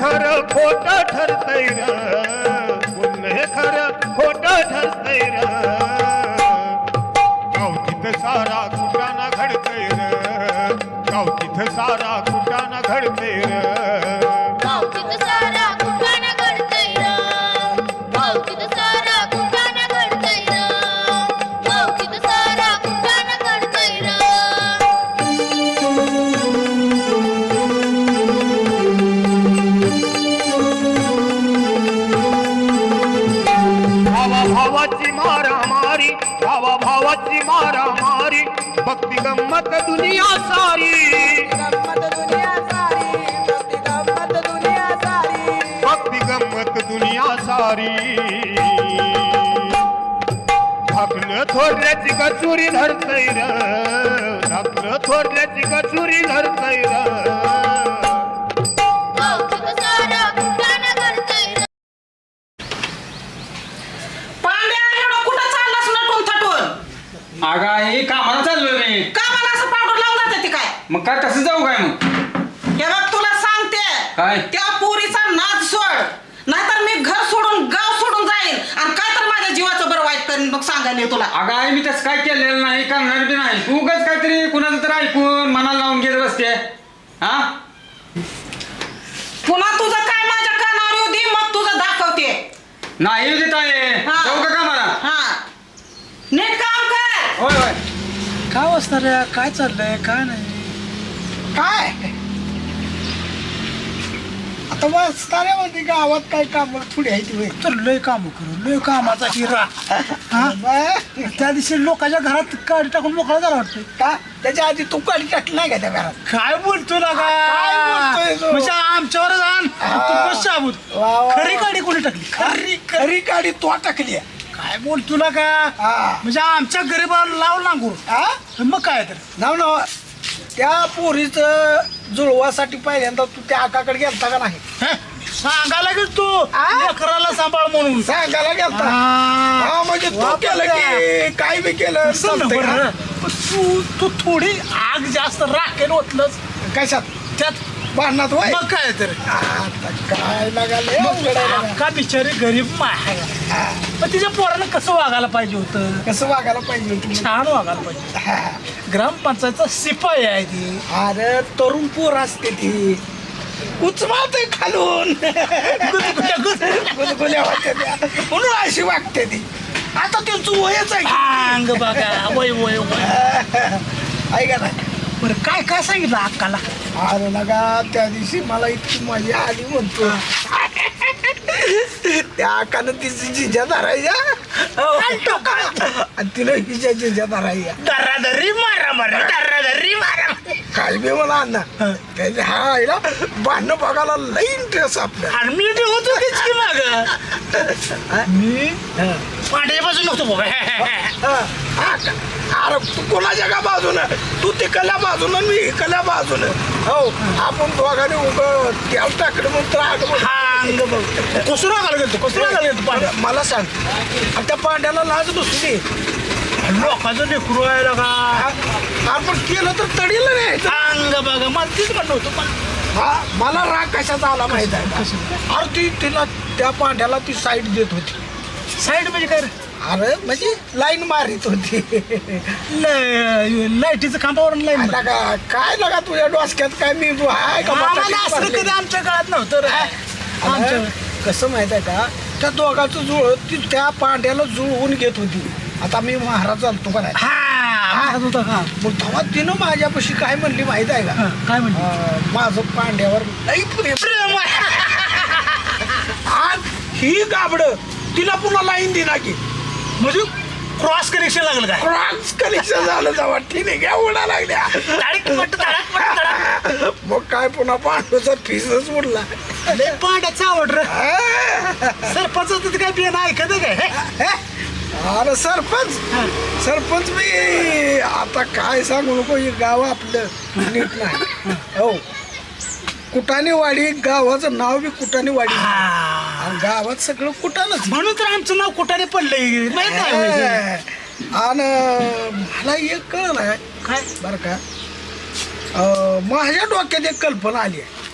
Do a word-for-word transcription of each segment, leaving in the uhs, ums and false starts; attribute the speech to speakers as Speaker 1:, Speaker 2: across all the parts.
Speaker 1: खरं खोट ठरतय र, पुण्य खरं खोट ठरतय र, गावतीत सारा कुटाना घडतय र, गावतीत सारा कुटाना घडतय र,
Speaker 2: गावतीत सारा कुटाणा घडतय र, गावतीत सारा कुटाणा घडतय र, गावतीत सारा कुटाणा घडतय र.
Speaker 1: भावा भावाची मारामारी, भावा भावाची मारामारी, भक्ती गंमत दुनिया सारी,
Speaker 3: गंमत दुनिया सारी, भक्ती गंमत दुनिया सारी.
Speaker 1: भक्ती गंमत दुनिया सारी. धाकलं थोरल्याची कचुरी धरतय र, धाकलं थोरल्याची कचुरी धरतय र,
Speaker 2: गावतीत सारा कुटाणा घडतय र.
Speaker 3: पांड्या एवढं कुठं चाललास नटून थटून?
Speaker 4: अगं आई कामाला चाललोय मी.
Speaker 3: का मला असं पावडर लावून जाते ती काय?
Speaker 4: मग काय कसं जाऊ काय मग?
Speaker 3: हे बघ तुला सांगते,
Speaker 4: काय?
Speaker 3: त्या पोरीचा नाद सोड, नाहीतर मी घर सोडून गाव सोडून जाईन आणि काय तर माझ्या जीवाचं बरं वाईट करीन मग सांगायला तुला.
Speaker 4: अगं आई मी तसं काय केलेलं नाही, करणार बी नाही. तू उगाच काहीतरी कुणाचं तर ऐकून मनाला लावून घेत बसते. हा
Speaker 3: पुन्हा तुझं काय माझ्या कानावर येऊ दे, मग तुझं दाखवते.
Speaker 4: नाही देत आहे.
Speaker 3: हा.
Speaker 4: जाऊ का कामाला?
Speaker 3: हा नीट काम कर.
Speaker 4: होय होय.
Speaker 5: काय वाजता रे, काय चाललंय काय नाही?
Speaker 3: काय
Speaker 5: आता वाजताऱ्यामध्ये गावात काय काम थोडी आहे ती तर लय काम करू, लय कामाचा हिरा. हा? त्या दिवशी लोकांच्या घरात काढी टाकून मोकळा झाला वाटतं
Speaker 3: का त्याच्या आधी तू काढी टाकली नाही का त्या घरात?
Speaker 5: काय बोलतो ना
Speaker 3: काय बोलतोय तो?
Speaker 5: म्हणजे आमच्यावर जाण तू बस शाबूत.
Speaker 3: वा, वा, वा.
Speaker 5: खरी गाडी कोणी टाकली? खरी
Speaker 3: खरी काढी तो टाकली.
Speaker 5: काय बोलतो ना का?
Speaker 3: हा.
Speaker 5: म्हणजे आमच्या गरीबाला लाव नांगूर. मग काय तर
Speaker 3: नाव ना त्या पोरीचं जुळवासाठी पहिल्यांदा तू त्या आकाकडे गेलता का नाही?
Speaker 5: हे? सांगायला गेल तू
Speaker 3: आ?
Speaker 5: लेकराला सांभाळ म्हणून.
Speaker 3: सांगायला गेलता.
Speaker 5: हा.
Speaker 3: हा म्हणजे तू
Speaker 5: वा,
Speaker 3: केलं की काय बी केलं
Speaker 5: असं ना
Speaker 3: चालतंय
Speaker 5: बरं.
Speaker 3: का?
Speaker 5: पण तू तू थोडी आग जास्त राखेल ओतलंच
Speaker 3: कशात
Speaker 5: त्यात.
Speaker 3: भांडणात होय?
Speaker 5: मग काय तर
Speaker 3: आता काय लागाले अवघड आहे बघा.
Speaker 5: का बिचारी गरीब माय
Speaker 3: हा.
Speaker 5: पण तिच्या पोरानं कसं वागायला पाहिजे होतं?
Speaker 3: कसं वागायला पाहिजे होतं?
Speaker 5: छान वागायला पाहिजे.
Speaker 3: हा.
Speaker 5: ग्रामपंचायतचा शिपाई आहे ती.
Speaker 3: अरे तरुण पोर असते ती उचमाते खालून
Speaker 5: गुदगुल्या, गुदगुल्या.
Speaker 3: गुलगुल्या वाटते त्या. म्हणून अशी वागते ती. आता त्यांचं वयच आहे
Speaker 5: अंग बघा वय वय वय.
Speaker 3: ऐका नाही.
Speaker 5: बरं काय काय सांगितलं अक्काला?
Speaker 3: अरे लगा त्या दिवशी मला इतकी मजा आली म्हणतो. त्या आकानं तिची जिजा धरायच्या आणि तिला हिच्या जिजा धरायच्या.
Speaker 5: दर्रादर्री मारा मारा दर्रादर्री मारा.
Speaker 3: काय बी मला अण्णा त्याच्या हा आईला भांडणं बघायला लई इंटरेस्ट आपल्या.
Speaker 5: आणि मी बी होतो तीच की माग. मी पांढऱ्यापासून नव्हतो बाबा.
Speaker 3: हा, हा का? अरे तू कोणाच्या का बाजूनं? तू तिकडल्या बाजूनं मी इकडल्या बाजूनं. हो आपण दोघांनी उभं त्या टाकडं म्हणून तर आग म्हणून.
Speaker 5: अंग बघ कसं रागायला गेलतो कसं रागायला गेलतो पांढऱ्या.
Speaker 3: मला सांग आणि त्या पांड्याला लाज बसली.
Speaker 5: लोकांचं लेकरू आहे का?
Speaker 3: आपण केलं तर तडीला नाही.
Speaker 5: अंग बघा मला तीच म्हणणं होतं पण
Speaker 3: हा मला राग कशाचा आला माहित आहे का? अरे ती तिला त्या पांड्याला ती साईड देत होती.
Speaker 5: साईड म्हणजे काय रे?
Speaker 3: अरे म्हणजे लाईन मारित होती.
Speaker 5: ल- लाईटीचं खांबावरून लाईन
Speaker 3: आता का काय लगा तुझ्या डोसक्यात काय मी हाय का
Speaker 5: आम्हाला
Speaker 3: बटाटे
Speaker 5: असं
Speaker 3: मारले?
Speaker 5: कधी आमच्या काळात नव्हतं रे. आमच्या
Speaker 3: अरे, कसं माहित आहे का त्या दोघांचं जुळ ती त्या पांड्याला जुळवून घेत होती. आता मी महाराज चालतो का नाही?
Speaker 5: हा महाराज होता का?
Speaker 3: मग तेव्हा तिनं माझ्यापाशी काय म्हणली माहित आहे का?
Speaker 5: हा, काय म्हणली?
Speaker 3: अं, माझं पांड्यावर लई प्रेम.
Speaker 5: प्रेम आहे.
Speaker 3: आज ही गाबड तिला पुन्हा लाईन दिला की
Speaker 5: म्हणजे क्रॉस कनेक्शन लागलं काय?
Speaker 3: क्रॉस कनेक्शन झालं जावा ठीक घ्या उडा लागल्या.
Speaker 5: धडक पट, धडक पट, धडक.
Speaker 3: मग काय पुन्हा पांडूचा फीसच उडला.
Speaker 5: लय पांड्याचा आवड रे. सरपंच तिथे काय बियाणं ऐकत आहे काय?
Speaker 3: हे? अरे सरपंच सरपंच मी आता काय सांगू नको. हे गाव आपलं नीट नाही. हो कुटाणेवाडी गावाचं नाव बी कुटाणेवाडी आणि गावात सगळं कुटाणच.
Speaker 5: म्हणून तर आमचं नाव कुठाने पडलंय माहित नाही.
Speaker 3: आणि मला एक कळलं आहे
Speaker 5: काय
Speaker 3: बरं का अं, माझ्या डोक्यात एक कल्पना आली आहे.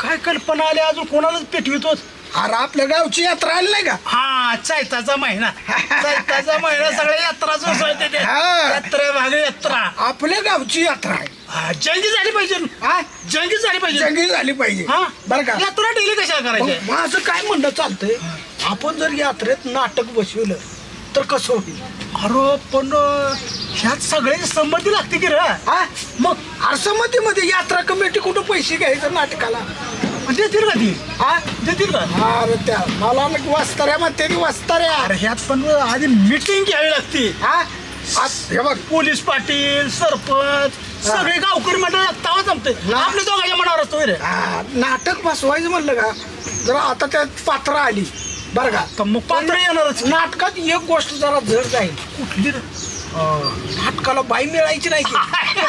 Speaker 5: काय कल्पना आली अजून कोणालाच पेटवितोच
Speaker 3: अरे आपल्या गावची यात्रा आली नाही का
Speaker 5: हा चैताचा महिना चैताचा महिना सगळ्या यात्राच उसळते ते
Speaker 3: हा.
Speaker 5: यात्रा भाग यात्रा
Speaker 3: आपल्या गावची यात्रा आहे
Speaker 5: हा, जंगी झाली पाहिजे
Speaker 3: हा
Speaker 5: जंगी झाली पाहिजे
Speaker 3: जंगी झाली पाहिजे
Speaker 5: हा
Speaker 3: बरं का
Speaker 5: यात्रा डेली कशाला करायची
Speaker 3: मग माझं काय म्हणणं चालतंय आपण जर यात्रेत नाटक बसवलं तर कसं होईल
Speaker 5: अरे पण अं, ह्यात सगळ्याची संमती लागते की रे
Speaker 3: हा मग आरसमतीमध्ये यात्रा कमिटी कुठं पैसे घ्यायचं नाटकाला
Speaker 5: देतील का ती
Speaker 3: हा
Speaker 5: देतील का
Speaker 3: अरे त्या मला मग वाचताऱ्या म्हणते ती वाचताऱ्या
Speaker 5: अरे ह्यात पण आधी मिटिंग घ्यावी लागते
Speaker 3: हा आज हे बघ
Speaker 5: पोलीस पाटील सरपंच सगळे गावकरी मंडळ तवा जमते आपल्या दोघांच्या मनावर असतो रे
Speaker 3: हा, नाटक बसवायचं म्हणलं का जरा आता त्यात पात्र आली बरं का
Speaker 5: तर मग पात्र येणारच
Speaker 3: नाटकात एक गोष्ट जरा जड जाईल
Speaker 5: कुठली रे
Speaker 3: अं, नाटकाला बाई मिळायची नाही की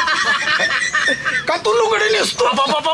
Speaker 3: का तू लुगडे नेसतो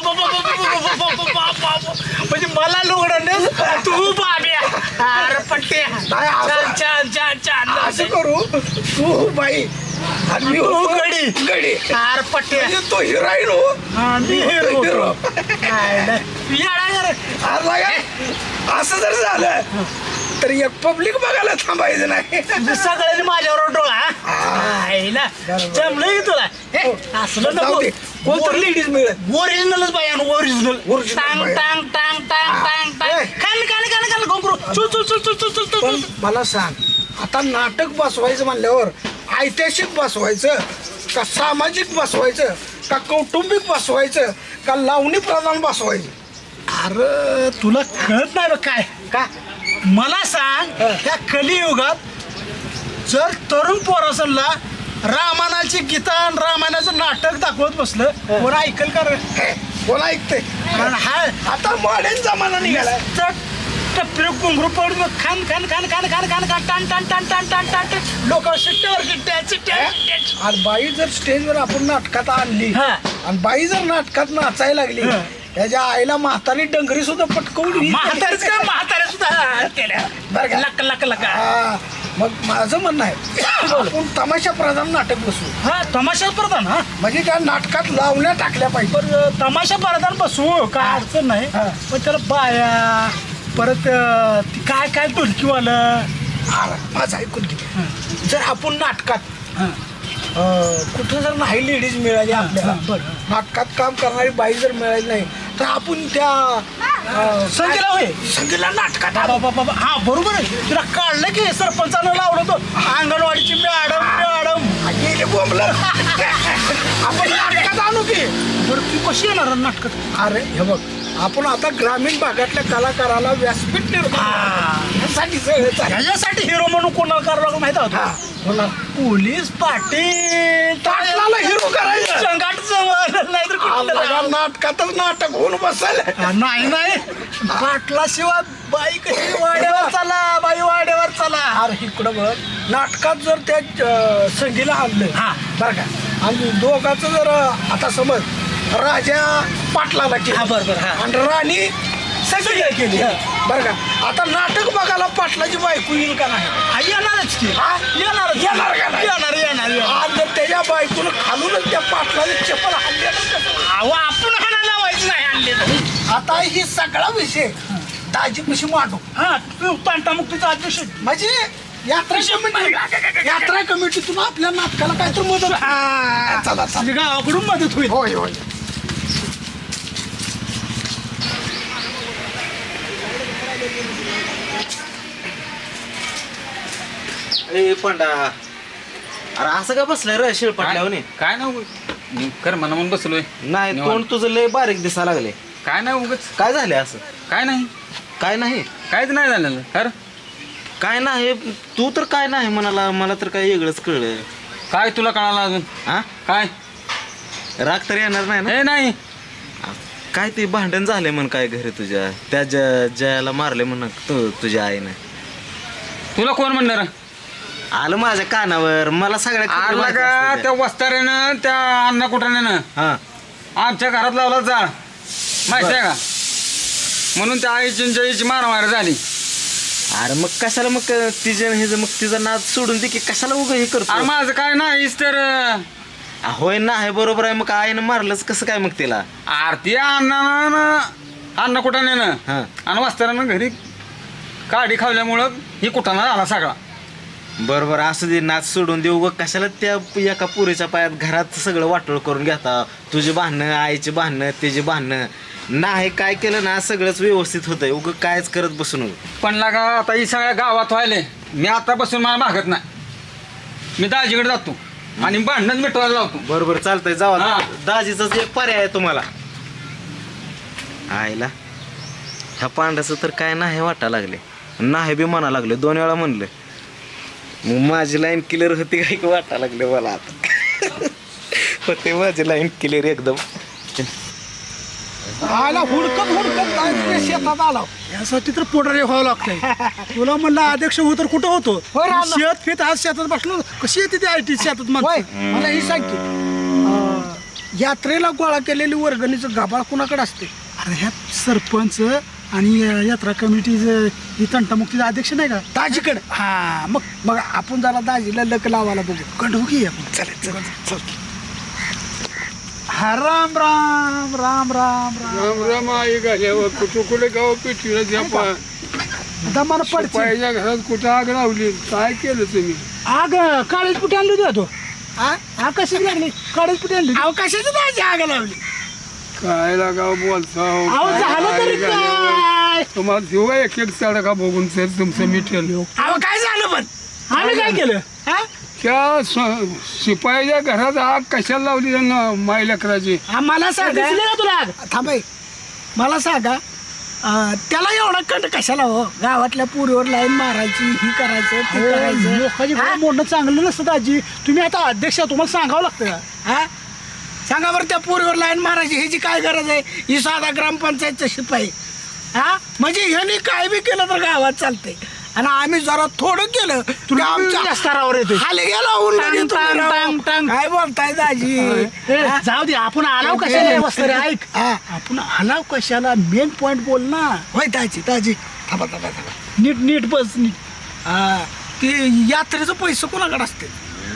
Speaker 5: म्हणजे मला लुगडं तू बाब्या अरे पट्टे
Speaker 3: नाही, असं-
Speaker 5: छान छान छान छान
Speaker 3: असं करू तू बाई आणि मी
Speaker 5: तू
Speaker 3: होतो
Speaker 5: गडी.
Speaker 3: गडी
Speaker 5: अरे पट्टे
Speaker 3: म्हणजे तो हिरोईन हो
Speaker 5: हा, मी हिरो.
Speaker 3: हिरो.
Speaker 5: काय नाही. येडा रे.
Speaker 3: आज बघा, असं जर झालं तर एक पब्लिक बघायला थांबायचं नाही
Speaker 5: म्हणजे सगळ्यांनी माझ्यावर डोळा
Speaker 3: हा.
Speaker 5: आईला
Speaker 3: बरोबर.
Speaker 5: जमलं की तुला हे,
Speaker 3: हो.
Speaker 5: असलं
Speaker 3: जाऊ
Speaker 5: नको
Speaker 3: दे. कोणतं लेडीज मिळत
Speaker 5: ओरिजिनलच बाई ओरिजिनल
Speaker 3: Original
Speaker 5: टांग
Speaker 3: बाई.
Speaker 5: टांग टांग टांग टांग टांग
Speaker 3: ए.
Speaker 5: खाल खाल खाल खाल घोंगरू चुल चुल चुल चुल चुल चुल
Speaker 3: पण
Speaker 5: चुल
Speaker 3: मला सांग आता नाटक बसवायचं म्हणल्यावर ऐतिहासिक बसवायचं का सामाजिक बसवायचं का कौटुंबिक बसवायचं का लावणी प्रधान बसवायचं
Speaker 5: अरे तुला कळत नाही बघ काय
Speaker 3: का
Speaker 5: मला सांग त्या कलियुगात जर तरुण पोरासनला रामायणाची गीता आणि रामायणाचं नाटक दाखवत बसलं कोण ऐकल का रे?
Speaker 3: हे, कोण ऐकते
Speaker 5: कारण हा
Speaker 3: आता मॉडर्न जमाना निघालाय
Speaker 5: टपरे घुंगरू पडून खान खान खान खान खान खान खान टान टान टान टान टान टान टान लोक शिट्ट्यावर शिट्ट्या शिट्ट्या
Speaker 3: आणि बाई जर स्टेजवर आपण नाटकात आणली
Speaker 5: हा.
Speaker 3: आणि बाई जर नाटकात नाचायला लागली
Speaker 5: हा.
Speaker 3: त्याच्या आईला म्हातारी डंगरी सुद्धा पटकवली
Speaker 5: म्हातारीच का म्हाताऱ्या सुद्धा केल्या
Speaker 3: बरं का?
Speaker 5: लक लक लक
Speaker 3: हा, मग माझं म्हणणं आहे आपण तमाशा प्रधान नाटक बसवू
Speaker 5: हा तमाशा प्रधान हा
Speaker 3: म्हणजे त्या नाटकात लावण्या टाकल्या पाहिजे
Speaker 5: पण तमाशा प्रधान बसू काय अडचण नाही
Speaker 3: हा.
Speaker 5: पण त्याला बाया परत अं, ती काय काय ढोलकीवालं
Speaker 3: अरे, माझं ऐकून घे जर आपण नाटकात
Speaker 5: हा.
Speaker 3: अं, कुठं जर नाही लेडीज मिळाली आपल्याला
Speaker 5: हा, बरं.
Speaker 3: नाटकात काम करणारी बाई जर मिळाली नाही तर आपण त्या अं,
Speaker 5: संगीला होय
Speaker 3: संगीला नाटकात
Speaker 5: बाबा बाबा बाबा. हा बरोबर आहे तुला काढलं की सरपंचानं लावलं तो अंगणवाडीची मॅडम मॅडम
Speaker 3: गेले बोंबलं आपण नाटकात आणू की
Speaker 5: बरं तू कशी येणार नाटकात
Speaker 3: अरे हे बघ आपण आता ग्रामीण भागातल्या कलाकाराला व्यासपीठ निर्माण
Speaker 5: हा.
Speaker 3: यासाठी सगळं चालेल.
Speaker 5: ह्याच्यासाठी हिरो म्हणून कोणाला करावं लागलं माहिती
Speaker 3: हा,
Speaker 5: होतं
Speaker 3: बोला.
Speaker 5: पोलीस पाटील
Speaker 3: पाटलाला हिरो करायचं
Speaker 5: संघाट जवळ नाही तर कुठलं
Speaker 3: आपल्याला
Speaker 5: राव.
Speaker 3: नाटकातच नाटक होऊन बसल
Speaker 5: हा, नाही नाही पाटलाशिवाय बाई कशी वाड्यावर चला बाई वाड्यावर चला
Speaker 3: अरे इकडं बघ नाटकात जर त्या अं, संगीला आणलं
Speaker 5: हा.
Speaker 3: बरं का आणि दोघांचं जर अं, आता समज राजा पाटलाला
Speaker 5: हा,
Speaker 3: केलं
Speaker 5: बरं, बरं, हा.
Speaker 3: आणि राणी संगीला केली बरं का आता नाटक बघायला पाटलाची बायको येईल का नाही
Speaker 5: हा, येणारच की
Speaker 3: हा?
Speaker 5: येणार
Speaker 3: येणार का नाही?
Speaker 5: येणार येणार येणार.
Speaker 3: आज जर त्याच्या बायकोन खालूनच त्या पाटलाने चप्पल हाणलेलं कसं?
Speaker 5: अहो, आपण हाणा लावायचं नाही आणले तर.
Speaker 3: आता ही सगळा विषय दाजी कशी मांडू
Speaker 5: हा तू तांटामुक्तीचा अध्यक्ष
Speaker 3: म्हणजे यात्रा कमिटी यात्रा कमिटीतून आपल्या नाटकाला काहीतरी मदत
Speaker 5: हा.
Speaker 3: चला चला
Speaker 5: म्हणजे गावाकडून मदत होईल
Speaker 3: होय होय
Speaker 6: ए पंडा अरे असं का बसलाय रे शिळपाटल्यावर
Speaker 4: काय नाही उगाच. कर म्हणा म्हणून बसलोय
Speaker 6: नाही
Speaker 4: निवांत.
Speaker 6: तोंड तुझं लय बारीक दिसा लागले
Speaker 4: काय नाही उगच
Speaker 6: काय झाले असं
Speaker 4: काय नाही
Speaker 6: काय नाही
Speaker 4: काहीच नाही झालेलं कर
Speaker 6: काय नाही तू तर काय नाही म्हणाला मला तर काय वेगळंच कळलं
Speaker 4: काय तुला कळालं अजून
Speaker 6: हा
Speaker 4: काय
Speaker 6: राग तर येणार नाही ना
Speaker 4: हे नाही
Speaker 6: काय ते भांडण झाले म्हण काय घरी तुझ्या त्या ज- जयाला मारले म्हण तू तुझ्या आईनं
Speaker 4: तुला कोण म्हणणार
Speaker 6: आलं माझ्या कानावर मला सगळ्या खबरी
Speaker 4: आला
Speaker 6: माहिती
Speaker 4: का
Speaker 6: असतात
Speaker 4: त्या
Speaker 6: त्या.
Speaker 4: वस्ताऱ्यानं त्या अण्णा कुठाण्यानं
Speaker 6: हा
Speaker 4: आमच्या घरात लावला जाळ माहिती आहे का म्हणून त्या आईची जईची मारामार झाली
Speaker 6: अरे मग कशाला मग तिच्या हे मग तिचा नाद सोडून दे की कशाला उग हे करतो
Speaker 4: अरे माझं काय नाहीच तर
Speaker 6: होय ना आहे बरोबर आहे मग आईनं मारलंच कसं काय मग तिला
Speaker 4: आरती अण्णानं अन्न कुटाण्यानं
Speaker 6: हा.
Speaker 4: आणि वस्त्रानं घरी काडी खावल्यामुळं ही कुटाणा आला सगळा.
Speaker 6: बरोबर असं दे नाच सोडून देऊ ग कशाला त्या एका पुरीच्या पायात घरात सगळं वाटोळ करून घेता. तुझी भांडणं आईची भांडणं त्याची भांडणं नाही काय केलं ना सगळंच व्यवस्थित होतंय उग कायच करत बसू नको.
Speaker 4: पण लागा आता ही सगळ्या गावात व्हायले मी आतापासून मला मागत नाही. मी दाजीकडे जातो आणि भांडण मिटवायला लावतो.
Speaker 6: बरोबर चालतंय जावा
Speaker 4: हा.
Speaker 6: दाजीचाच एक पर्याय आहे तुम्हाला. आईला ह्या पांड्याचं तर काय नाही वाटा लागले नाही बी म्हणा लागले दोन वेळा म्हणलं मग माझी लाईन क्लिअर होती काय की वाटा लागले मला आता होते माझी लाईन क्लिअर एकदम.
Speaker 5: आला हुडकत हुडकत काय तुझ्या शेतात आला यासाठी तर पोटारे व्हावं लागतंय. तुला म्हणलं अध्यक्ष हो तर कुठं होतो शेत फेत आज शेतात बसलो कशी येते ते आय टी शेतात म्हणून
Speaker 3: मला ही सांग की अं, यात्रेला गोळा केलेली वर्गणीचं गाभाळ कुणाकडे असते?
Speaker 5: अरे ह्या सरपंच आणि अं, यात्रा कमिटीचं ही तंटामुक्तीचा अध्यक्ष नाही का
Speaker 3: दाजीकडे.
Speaker 5: हा मग
Speaker 3: मग आपण जरा दाजीला लक लावायला बघू.
Speaker 5: कंडू की आपण
Speaker 3: चल चल चल.
Speaker 5: हा राम राम राम राम राम
Speaker 7: राम राम आई घाल्यावर कुठं कुठे गाव पेटविलं त्या पा-
Speaker 5: दमान पडचे
Speaker 7: पायाच्या घरात कुठं आग लावली काय केलं तुम्ही?
Speaker 5: आग काळीच पुटी आणली होती तो
Speaker 3: हा?
Speaker 5: आग कशी लागली काळीच पुटी आणली
Speaker 3: अवकाशाची दाजी आग लावली.
Speaker 7: काय लागाव बोलता
Speaker 5: अहो झालं तरी काय
Speaker 7: तुम्हाला देऊ का एक एक का बघून तर तुमचं मिटेल.
Speaker 3: अहो काय झालं पण?
Speaker 5: आम्ही काय केलं
Speaker 3: हा?
Speaker 7: त्या स- शिपायाच्या घरात आग कशाला लावली त्यांना माई लेकराची?
Speaker 3: हा, मला सांगा
Speaker 5: दिसली का तुला आग
Speaker 3: थांबाय मला सांगा अं, त्याला एवढा कंट कशाला हो? गावातल्या पुरीवर लाईन मारायची ही करायचं ते करायचं.
Speaker 5: लोकांची
Speaker 3: हा?
Speaker 5: घर मोडणं चांगलं नसतं दाजी. तुम्ही आता अध्यक्ष आहात, तुम्हाला सांगावं लागतं का?
Speaker 3: हा? सांगा बरं त्या पुरीवर लाईन मारायची ह्याची काय गरज आहे? ही साधा ग्रामपंचायतचा शिपाई हा म्हणजे ह्याने काय बी केलं तर गावात चालतंय आणि आम्ही जरा थोडं केलं की आमच्या
Speaker 5: या स्तरावर येते
Speaker 3: खाली गेला उन्हाने
Speaker 5: टांग,
Speaker 3: तुम्ही
Speaker 5: टांग,
Speaker 3: राव.
Speaker 5: टांग, टांग.
Speaker 3: काय बोलताय दाजी
Speaker 5: ए,
Speaker 3: हा?
Speaker 5: जाऊ दे आपण आलाव कशाला वस्त्र ऐक
Speaker 3: हा.
Speaker 5: आपण आलाव कशाला मेन पॉइंट बोल ना
Speaker 3: होय दाजी दाजी थांबा थांबा थांबा
Speaker 5: नीट नीट बस नीट
Speaker 3: हा, ते यात्रेचं पैसे कोणाकडे असते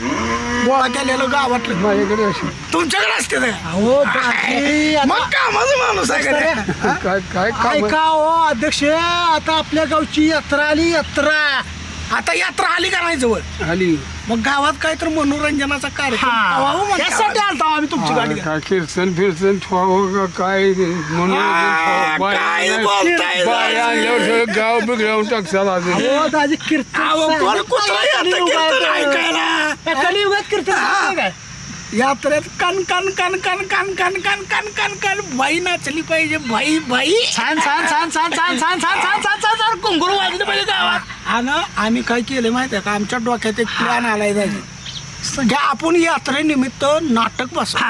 Speaker 3: गोळा केलेलं गावातलं
Speaker 7: माझ्याकडे अशी
Speaker 3: तुमच्याकडे असते ते?
Speaker 5: अहो दाजी आता-
Speaker 3: मग कामाचं माणूस आहे का रे? हा?
Speaker 7: काय काय काम
Speaker 5: ऐका हो अध्यक्ष आता आपल्या गावची यात्रा आली यात्रा
Speaker 3: आता यात्रा आली का नाही जवळ
Speaker 7: आली?
Speaker 3: मग गावात काय तर मनोरंजनाचा कार्यक्रम ठेवावं म्हणते
Speaker 5: त्यासाठी
Speaker 3: आवाज.
Speaker 5: आलता आम्ही तुमची गाडी
Speaker 7: काय कीर्तन फिरतन ठेवावं का काय म्हणून
Speaker 3: आ, काय बोलताय
Speaker 7: बाया आणल्यावर सगळं गाव बिघडवून टाकसाल अजून.
Speaker 5: हो दाजी कीर्तन
Speaker 3: अहो, कोण कुत्रा येतं कीर्तन ऐकायला?
Speaker 5: कलियुगात कीर्तन नाही काय
Speaker 3: यात्रेत कन कन कन कन कन कन कन कन कन कन बाई नाचली पाहिजे बाई बाई
Speaker 5: छान छान छान छान छान छान छान छान छान छान छान कुंगुरू वाजले पाहिजे गावात
Speaker 3: आणि आम्ही काय केलं माहिती आहे का आमच्या डोक्यात एक प्लॅन आलाय दाजी घ्या आपण यात्रेनिमित्त नाटक बसू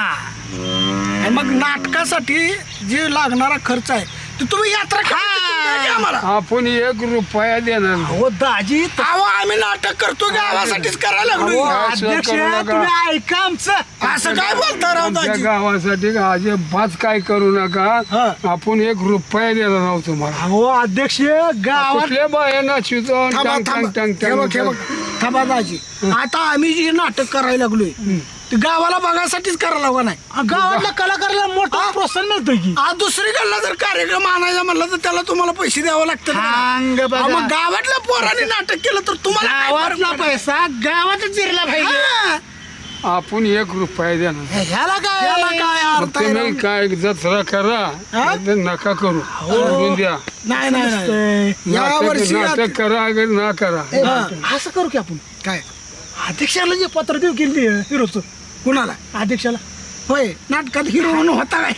Speaker 3: आणि मग नाटकासाठी जे लागणारा खर्च आहे ते तुम्ही यात्रा करा आम्हाला.
Speaker 7: आपण एक रुपया देणार नाही.
Speaker 5: हो दाजी
Speaker 3: अहो आम्ही नाटक करतो गावासाठीच करायला
Speaker 5: अहो,
Speaker 3: लागलो
Speaker 7: असं
Speaker 5: अध्यक्ष
Speaker 7: करू नका.
Speaker 5: तुम्ही ऐका आमचं
Speaker 3: असं काय बोलता राव
Speaker 7: आमच्या
Speaker 3: दाजी
Speaker 7: गावासाठी अजिबात काय करू नका. आपण एक रुपया देणार आहोत तुम्हाला.
Speaker 5: हो अध्यक्ष गावात
Speaker 7: कुठल्या बाया नाचवितो
Speaker 3: थांबा
Speaker 7: टांग टांग
Speaker 3: थांबा
Speaker 7: टांग
Speaker 3: हे बघ, हे
Speaker 7: टांग
Speaker 3: बघ. थांबा दाजी आता आम्ही जे नाटक करायला लागलोय ते गावाला बघायसाठीच करायला लागला नाही
Speaker 5: गावातल्या कलाकाराला मोठं प्रोत्साहन मिळतं की
Speaker 3: आज दुसरीकडला जर कार्यक्रम आणायचा म्हणलं तर त्याला तुम्हाला पैसे द्यावं लागतं ना.
Speaker 5: सांग बघा.
Speaker 3: अहो, मग गावातल्या पोरांनी नाटक केलं तर तुम्हाला काय फरक
Speaker 5: गावातला
Speaker 3: पडेल?
Speaker 5: पैसा गावातच जिरला पाहिजे
Speaker 3: हा.
Speaker 7: आपण एक रुपया देणार.
Speaker 5: ह्याला काय
Speaker 3: याला काय अर्थ आहे
Speaker 7: तुम्ही
Speaker 3: राव?
Speaker 7: काय जत्रा करा
Speaker 3: हा?
Speaker 7: नाहीतर नका करू सोडून द्या.
Speaker 3: नाही नाही नाही या
Speaker 7: नाटक
Speaker 3: वर्षी
Speaker 7: नाटक करा अगर ना करा.
Speaker 5: हा. असं करू की आपण
Speaker 3: काय
Speaker 5: अध्यक्षाला जे पत्र देऊ केली हिरोचं
Speaker 3: कुणाला
Speaker 5: अध्यक्षाला
Speaker 3: होय नाटकात हिरो म्हणून होता काय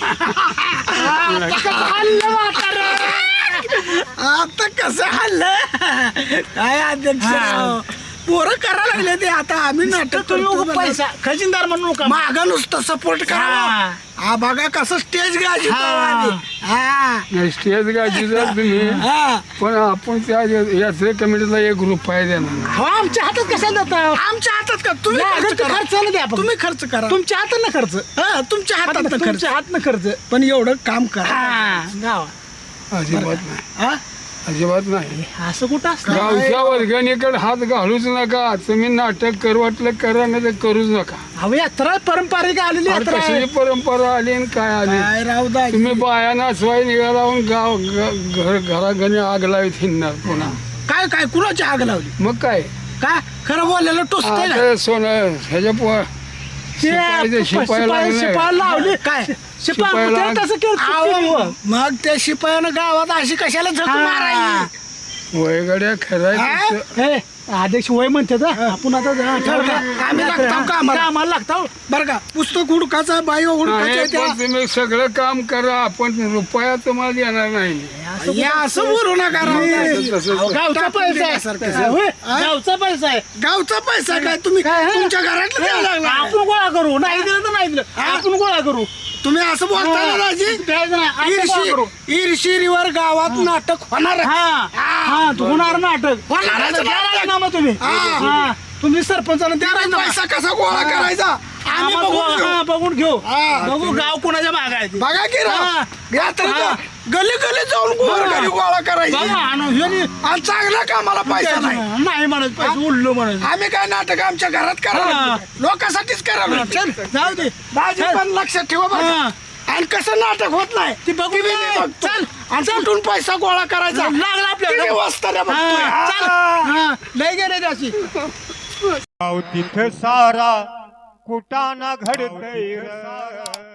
Speaker 5: हल्लं म्हातारं.
Speaker 3: आता कसं हल्लं काय अध्यक्ष राव? पोरं करायला लागले ते आता आम्ही नाटक
Speaker 5: तुम्ही
Speaker 3: करतो
Speaker 5: उगा पैसा खजिनदार म्हणू नका
Speaker 3: माग नुसतं सपोर्ट करा
Speaker 5: हा.
Speaker 3: हा बघा कसं स्टेज गाजी
Speaker 5: हा.
Speaker 3: हा
Speaker 7: नाही, स्टेज गायची जर तुम्ही
Speaker 3: हा
Speaker 7: पण आपण त्या यात्रे कमिटीला एक रुपया देणार.
Speaker 5: हो आमच्या हातात कशाला जातं
Speaker 3: आमच्या हातात का तुम्ही
Speaker 5: नाही,
Speaker 3: खर्च
Speaker 5: अगं,
Speaker 3: करा.
Speaker 5: खर्च नाही द्या आपण.
Speaker 3: तुम्ही खर्च करा
Speaker 5: तुमच्या हातात ना खर्च
Speaker 3: हा तुमच्या हातात खर्च
Speaker 5: तुमच्या हात ना खर्च
Speaker 3: पण एवढं काम करा
Speaker 5: हा गावा
Speaker 7: अजिबात नाही.
Speaker 3: हा
Speaker 7: अजिबात नाही
Speaker 5: असं कुठं असतं
Speaker 7: गावच्या वर्गणीकडे हात घालूच नका तुम्ही नाटक कर वाटलं करा नाही तर करूच नका
Speaker 5: अहो यात्रा पारंपरिक आलेली
Speaker 7: अरे
Speaker 5: यात्रा आहे.
Speaker 7: कशाची परंपरा आली आणि काय आली
Speaker 3: काय राव दाजी
Speaker 7: तुम्ही बाया नाचवाय निघालावून गाव ग- घर घराघरी आग लावीत हिंडणार पुन्हा
Speaker 5: काय काय कुणाची आग लावली
Speaker 7: मग काय
Speaker 5: का खरं बोललेलं टोचतंय ना
Speaker 7: आता सोनं ह्याच्या पो शिपायाचं शिपायाला
Speaker 5: शिपाई
Speaker 7: नाही.
Speaker 5: शिपाई लावली काय शिपाई
Speaker 7: शिपायाला-
Speaker 5: त्याला तसं केलं
Speaker 3: अहो, मग त्या शिपायानं गावात अशी कशाला झक मारायची
Speaker 7: वयगड्या खराय
Speaker 5: हे अध्यक्ष वय म्हणते तर आपण आता जा- ठरवलं.
Speaker 3: आम्ही लागतो कामाला.
Speaker 5: कामाला लागतो
Speaker 3: बरं का पुस्तक हुडकाचा बाई हुडकाच्या त्या
Speaker 7: तुम्ही सगळं काम करा पण रुपया तुम्हाला देणार नाही
Speaker 3: या असं बोलू नका राव दाजी.
Speaker 7: तसं-
Speaker 5: गावचा पैसा आहे
Speaker 3: सारखं.
Speaker 5: होय, गावचा पैसा आहे
Speaker 3: गावचा पैसा काय तुम्ही
Speaker 5: काय, हा?
Speaker 3: तुमच्या घरातलं द्यायला लागला काय?
Speaker 5: आपण गोळा करू नाही दिलं तर नाही दिलं आपण गोळा करू
Speaker 3: तुम्ही असं बोलता ना दाजी
Speaker 5: द्यायचं नाही, आपण गोळा करू.
Speaker 3: ईर्षी ईर्षीवर गावात नाटक होणार आहे.
Speaker 5: हा हा तू होणार नाटक
Speaker 3: होणारच
Speaker 5: द्या
Speaker 3: नाटक.
Speaker 5: राजीनामा तुम्ही
Speaker 3: हा.
Speaker 5: हा तुम्ही सरपंचाला द्या
Speaker 3: तुम्ही
Speaker 5: राजीनामा.
Speaker 3: पैसा कसा गोळा करायचा आम्ही
Speaker 5: आम्हाला
Speaker 3: बघून
Speaker 5: गोळा-
Speaker 3: घेऊ.
Speaker 5: हा, बघून घेऊ
Speaker 3: हा.
Speaker 5: बघू गाव कोणाच्या माग आहे ते.
Speaker 3: बघा की राव
Speaker 5: हा.
Speaker 3: यात्रेला
Speaker 5: हा.
Speaker 3: गली गली जाऊन गोळा
Speaker 5: हा.
Speaker 3: घरी गोळा करायची
Speaker 5: बघा आणि ह्यानी
Speaker 3: आणि चांगला कामाला पैसा नाही
Speaker 5: नाही म्हणत पैसे उडलो म्हणत
Speaker 3: आम्ही काय नाटक आमच्या घरात
Speaker 5: हा.
Speaker 3: करा लोकांसाठीच करा
Speaker 5: चल जाऊ दे
Speaker 3: दाजी
Speaker 5: चल.
Speaker 3: पण लक्षात ठेवा बरं
Speaker 5: हा.
Speaker 3: का? आणि कसं नाटक होत नाही
Speaker 5: ती बघू
Speaker 3: ती बी
Speaker 5: दे.
Speaker 3: मी बघतो.
Speaker 5: चल.
Speaker 3: आणि कुठून पैसा गोळा करायचा
Speaker 5: लागला आपल्याला.
Speaker 3: ती मी वस्ताऱ्या बघतोय.
Speaker 5: हा, चल.
Speaker 3: हा.
Speaker 5: हा, लय गेले त्याची
Speaker 1: गाव तिथं सारा कुटाना घडतय र.